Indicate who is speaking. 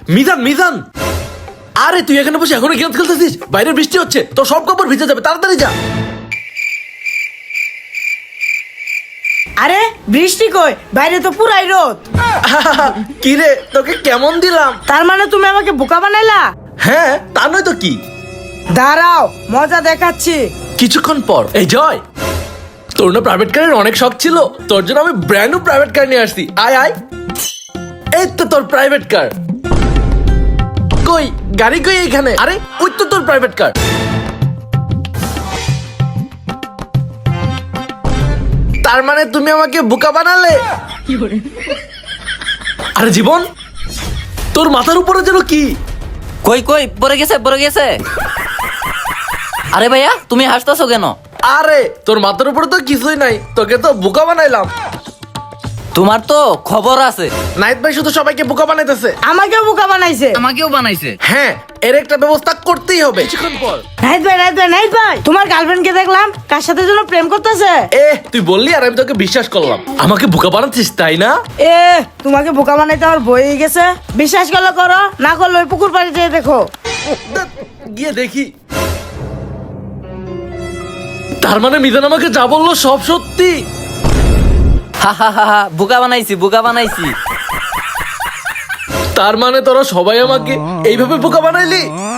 Speaker 1: মিজান মিজান, আরে তুই এখানে বসে এখনো গেম খেলতেছিস? বাইরে বৃষ্টি হচ্ছে, তোর সব কাপড় ভিজে যাবে, তাড়াতাড়ি যা।
Speaker 2: আরে বৃষ্টি কই? বাইরে তো পুরাই রোদ।
Speaker 1: কি রে, তোকে কেমন দিলাম?
Speaker 2: তার মানে তুমি আমাকে বোকা বানাইলা?
Speaker 1: হ্যাঁ, তা নয় তো কি।
Speaker 2: দাঁড়াও, মজা দেখাচ্ছি।
Speaker 1: কিছুক্ষণ পর, এই জয়, তোর না প্রাইভেট কারের অনেক শখ ছিল, তোর জন্য আমি ব্র্যান্ড নিউ প্রাইভেট কার নিয়ে আসছি। আয় আয়, এই তো তোর প্রাইভেট কার। কই গাড়ি কই? এখানে। আরে ওই তো তোর প্রাইভেট কার। তার মানে তুমি আমাকে বোকা বানালে। আরে জীবন, তোর মাথার উপরে যেন কি?
Speaker 3: কই কই পড়ে গেছে পড়ে গেছে। আরে ভাইয়া তুমি হাসতেছো কেন?
Speaker 1: আরে তোর মাথার উপরে তো কিছুই নাই, তোকে তো বোকা বানাইলাম।
Speaker 3: তোমার তো খবর আছে।
Speaker 1: নাইট ভাই শুধু সবাইকে বোকা বানাইতেছে।
Speaker 2: আমাকেও বোকা বানাইছে।
Speaker 3: আমাকেও বানাইছে।
Speaker 1: হ্যাঁ, এর একটা ব্যবস্থা করতেই হবে। কিছুক্ষণ পর,
Speaker 2: নাইট ভাই, নাইট ভাই, নাইট ভাই, তোমার গার্লফ্রেন্ডকে দেখলাম কার সাথে যেন প্রেম করতেছে।
Speaker 1: তুই বললি আর আমি তোকে বিশ্বাস করলাম। আমাকে বোকা বানাচ্ছিস তাই না?
Speaker 2: তোমাকে বোকা বানাইতে আমার বই গেছে। বিশ্বাস করলে করো, না করলে ওই পুকুর পাড়ে যেয়ে দেখো।
Speaker 1: গিয়ে দেখি। তার মানে মিজান আমাকে যা বললো সব সত্যি।
Speaker 3: হা হা হা হা, বোকা বানাইছি বোকা বানাইছি।
Speaker 1: তার মানে তোরা সবাই আমাকে এইভাবে বোকা বানাইলি?